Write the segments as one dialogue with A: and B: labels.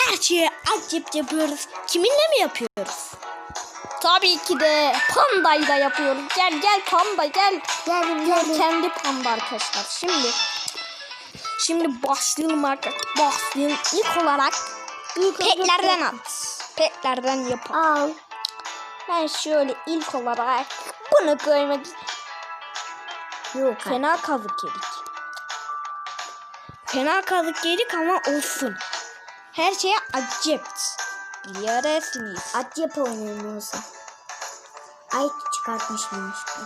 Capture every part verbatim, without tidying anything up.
A: her şeyi acayip yapıyoruz. Kiminle mi yapıyoruz? Tabii ki de pandayla yapıyoruz. Gel gel panda gel.
B: Geldim
A: Gel
B: geldim.
A: kendi panda arkadaşlar. Şimdi şimdi başlayalım arkadaşlar. Başlayalım. İlk olarak
B: İlk
A: petlerden at. Petlerden yapalım.
B: Al.
A: Ben şöyle ilk olarak bunu koymak
B: Yok.
A: Fena kazık yedik. Fena kazık yedik ama olsun. Her şeye accept. Biliyorsunuz.
B: Acayip oynayalım olsa. Ay çıkartmış mıymış bu?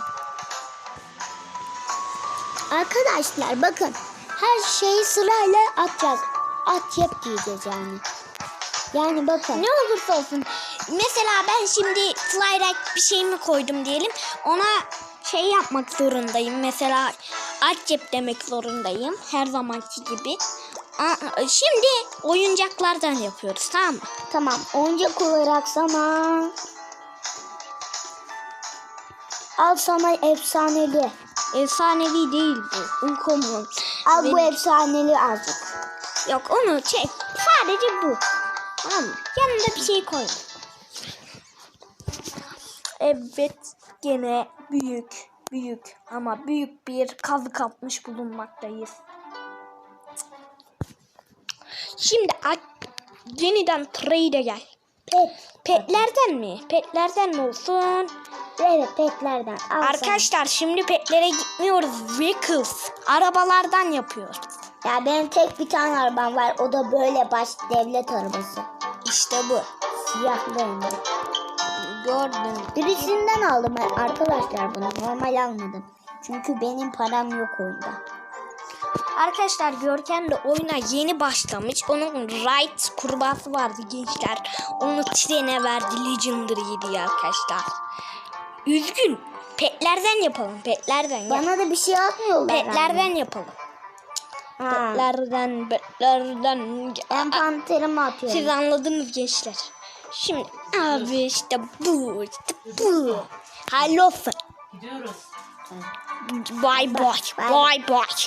B: Arkadaşlar bakın. Her şeyi sırayla atacağız. Acayip diyeceğiz yani. Yani bakın.
A: Ne olursa olsun. Mesela ben şimdi flyride bir şey mi koydum diyelim. Ona şey yapmak zorundayım. Mesela accept demek zorundayım. Her zamanki gibi. Şimdi oyuncaklardan yapıyoruz, tamam mı?
B: Tamam. Oyuncak olarak sana. Al sana efsaneli.
A: Efsanevi değil bu. Uncommon.
B: Al
A: Benim-
B: bu efsaneli azıcık.
A: Yok onu çek. Sadece bu. Tamam mı? Yanında bir şey koy. Evet. Gene büyük. Büyük. Ama büyük bir kazık atmış bulunmaktayız. Şimdi yeniden trade'e gel.
B: Pet.
A: Petlerden mi? Petlerden mi olsun?
B: Evet petlerden. Al
A: Arkadaşlar şimdi petlere gitmiyoruz. Vehicles. Arabalardan yapıyoruz.
B: sana. Ya benim tek bir tane arabam var. O da böyle baş devlet arabası.
A: İşte bu.
B: Siyahlı hem de.
A: Gördüm.
B: Birisinden aldım ben arkadaşlar bunu. Normal almadım. Çünkü benim param yok oyunda.
A: Arkadaşlar Görkem de oyuna yeni başlamış. Onun Right kurbağası vardı gençler. Onu trene verdi. Legendary'ydi diye arkadaşlar. Üzgün. Petlerden yapalım. Petlerden. Yap.
B: Bana da bir şey atmıyorlar.
A: Petlerden yapalım.
B: Ha.
A: Petlerden, petlerden.
B: Ben panterimi atıyorum.
A: Siz anladınız gençler. Şimdi abi işte bu, işte bu. Hayırlı olsun.
C: Gidiyoruz.
A: Bye bye, bye bye.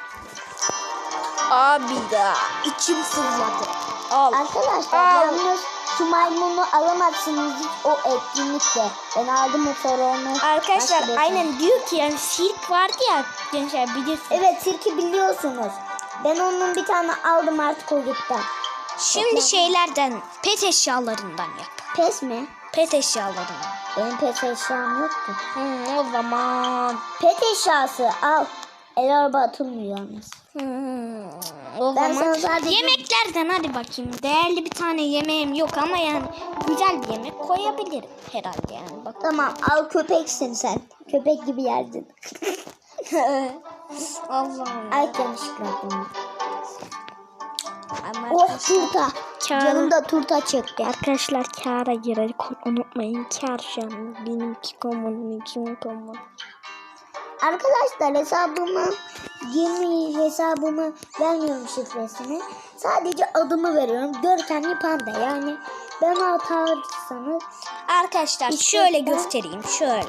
A: Abi da içim sızladı. Al.
B: Arkadaşlar
A: Al.
B: yalnız şu maymunu alamazsınız hiç o etkinlikte. Ben aldım o sonra onu.
A: Arkadaşlar
B: başka bir-
A: aynen diyor ki yani sirk vardı ya gençler bilirsiniz.
B: Evet sirki biliyorsunuz. Ben onun bir tane aldım artık o gitti.
A: Şimdi şeylerden pet eşyalarından yap.
B: Pes mi?
A: Pet eşyalarından.
B: Benim pet eşyam yoktu.
A: Hmm, o zaman.
B: Pet eşyası al. El araba atılmıyor yalnız.
A: Hmm, o
B: Ben
A: zaman
B: sana sadece-
A: yemeklerden hadi bakayım. Değerli bir tane yemeğim yok ama yani güzel bir yemek koyabilirim herhalde yani. Bak.
B: Tamam al köpeksin sen. Köpek gibi yerdin.
A: Allah'ım.
B: Ay yanlışlıkla attım.
A: Ama
B: Oh
A: arkadaşlar,
B: turta.
A: Kâra-
B: Canımda turta çıktı.
A: arkadaşlar kâra girer unutmayın. Kâr canım. Benimki komun, kim komun.
B: Arkadaşlar hesabımı yeni hesabımı vermiyorum şifresini. Sadece adımı veriyorum. Görkemli panda yani. Ben atarsanız
A: Arkadaşlar
B: İşte
A: şöyle
B: ben-
A: göstereyim. Şöyle.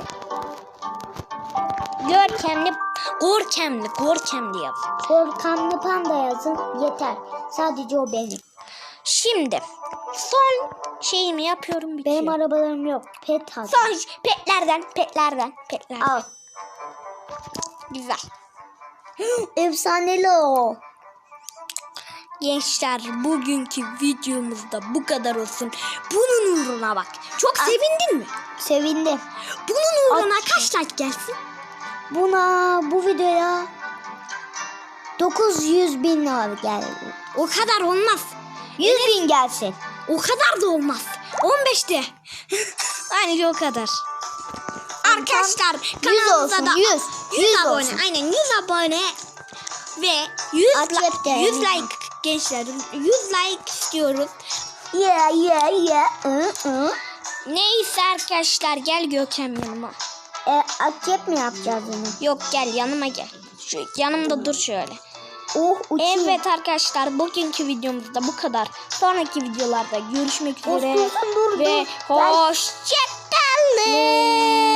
A: Görkemli, gorkemli, gorkemli yaz.
B: Görkemli panda yazın yeter. Sadece o benim.
A: Şimdi son şeyimi yapıyorum bitiyor.
B: Benim arabalarım yok. Pet al.
A: Son petlerden, petlerden, petlerden.
B: Al.
A: Güzel.
B: Efsaneli o.
A: Gençler bugünkü videomuzda bu kadar olsun. Bunun uğruna bak. Çok
B: Ah.
A: sevindin mi?
B: Sevindim.
A: Bunun uğruna
B: At.
A: kaç like gelsin?
B: Buna bu videoya dokuz yüz bin abi geldi.
A: O kadar olmaz.
B: yüz bin gelsin.
A: O kadar da olmaz. on beşte. Aynı o kadar. Arkadaşlar
B: yüz
A: kanalımıza
B: olsun,
A: da
B: yüz.
A: yüz
B: yüz
A: abone.
B: olsun.
A: Aynen yüz abone ve yüz
B: Acep de
A: like, yüz
B: yani.
A: like gençler. yüz like istiyoruz.
B: Yeah yeah yeah. Hı, hı.
A: Neyse arkadaşlar gel Görkem yanıma.
B: E, acep mi yapacağız onu?
A: Yok gel yanıma gel. Şu yanımda dur şöyle.
B: Oh uçuyor.
A: Evet arkadaşlar bugünkü videomuzda bu kadar. Sonraki videolarda görüşmek üzere
B: Dur, dur, dur,
A: ve
B: dur. Ben-
A: hoşçakalın.